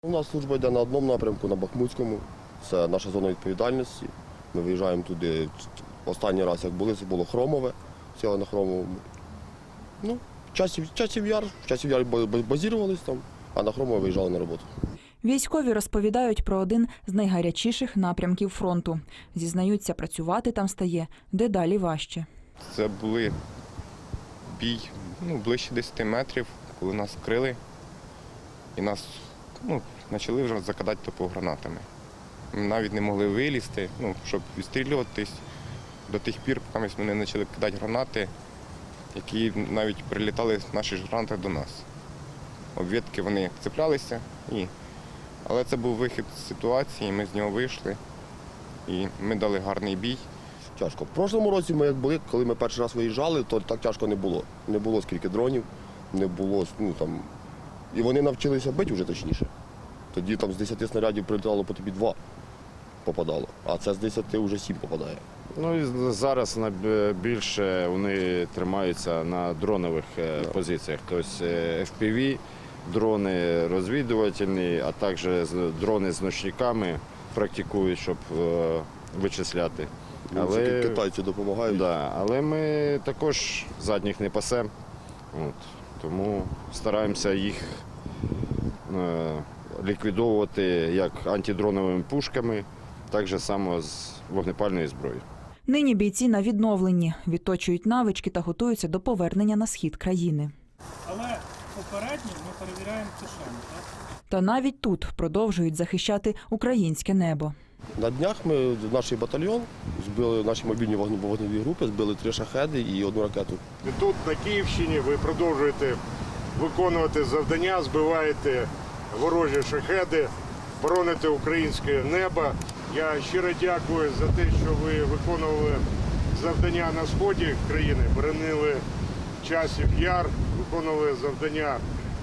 У нас служба йде на одному напрямку, на Бахмутському. Це наша зона відповідальності. Ми виїжджаємо туди. Останній раз, як були, це було Хромове, сіли на Хромовому. Ну, часів яр базірувалися там, а на Хромове виїжджали на роботу. Військові розповідають про один з найгарячіших напрямків фронту. Зізнаються, працювати там стає дедалі важче. Це були бій ближче 10 метрів, коли нас вкрили і нас почали вже закидати топогранатами. Ми навіть не могли вилізти, щоб відстрілюватись до тих пір, поки вони не почали кидати гранати, які навіть прилітали наші ж гранати до нас. Обвідки вони цеплялися, але це був вихід з ситуації, ми з нього вийшли і ми дали гарний бій. Тяжко. В прошлому році ми як були, коли ми перший раз виїжджали, то так тяжко не було. Не було скільки дронів, не було, і вони навчилися бити вже точніше. Тоді там з 10 снарядів прилітало по тобі 2 попадало, а це з 10 вже 7 попадає. Ну і зараз найбільше вони тримаються на дронових позиціях. Тобто FPV, дрони розвідувальні, а також дрони з ночниками практикують, щоб вичисляти. Але китайці допомагають. Да, але ми також задніх не пасемо, тому стараємося їх ліквідовувати як антидроновими пушками, так само з вогнепальної зброї. Нині бійці на відновленні, відточують навички та готуються до повернення на схід країни. Але попередньо ми перевіряємо ЦШМ, так? Та навіть тут продовжують захищати українське небо. На днях ми, наш батальйон, збили наші мобільні вогневі групи, збили 3 шахеди і 1 ракету. І тут, на Київщині, ви продовжуєте виконувати завдання, збиваєте ворожі шахеди, бороните українське небо. Я щиро дякую за те, що ви виконували завдання на сході країни, боронили Часів Яр, виконували завдання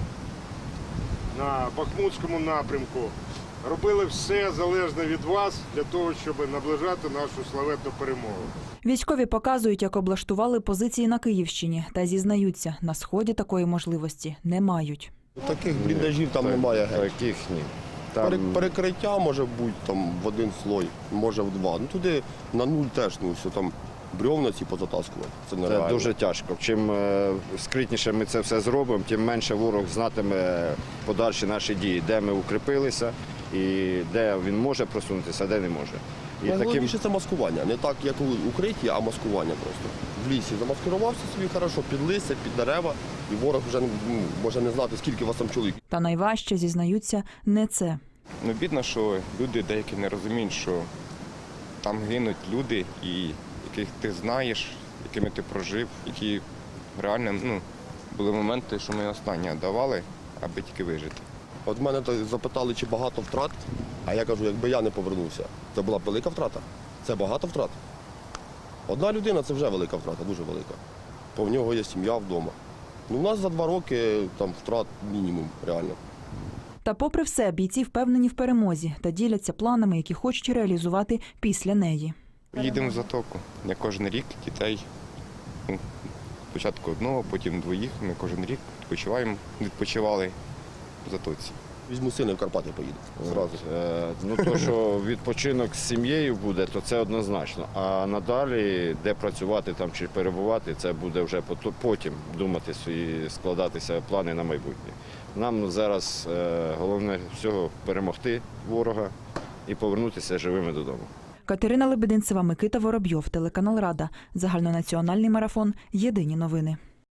на Бахмутському напрямку. Робили все залежне від вас для того, щоб наближати нашу славетну перемогу. Військові показують, як облаштували позиції на Київщині та зізнаються, на сході такої можливості не мають. Таких бліндажів там немає геть. Таких ні. Перекриття може бути там в 1 слой, може в 2. Туди на 0 теж, все там бревна ці позатаскувати. Це нереально. Це дуже тяжко. Чим скритніше ми це все зробимо, тим менше ворог знатиме подальші наші дії, де ми укріпилися і де він може просунутися, а де не може. Найголовніше це маскування. Не так, як у укритті, а маскування просто. В лісі замаскувався собі хорошо, під листя, під дерева, і ворог вже може не знати, скільки у вас там чоловік. Та найважче, зізнаються, не це. Бідно, що люди деякі не розуміють, що там гинуть люди, яких ти знаєш, якими ти прожив, які реально були моменти, що ми останнє давали, аби тільки вижити. От мене запитали, чи багато втрат, а я кажу, якби я не повернувся, це була б велика втрата. Це багато втрат. Одна людина – це вже велика втрата, дуже велика. Бо в нього є сім'я вдома. У нас за 2 роки там втрат мінімум, реально. Та попри все, бійці впевнені в перемозі та діляться планами, які хочуть реалізувати після неї. Їдемо в Затоку. Я кожен рік дітей, спочатку 1, потім 2, ми кожен рік відпочивали в Затоці. Візьму сина, в Карпати поїду. Зразу. То, що відпочинок з сім'єю буде, то це однозначно. А надалі, де працювати там чи перебувати, це буде вже потім думати і складатися плани на майбутнє. Нам зараз головне всього перемогти ворога і повернутися живими додому. Катерина Лебединцева, Микита Воробйов, телеканал Рада. Загальнонаціональний марафон. Єдині новини.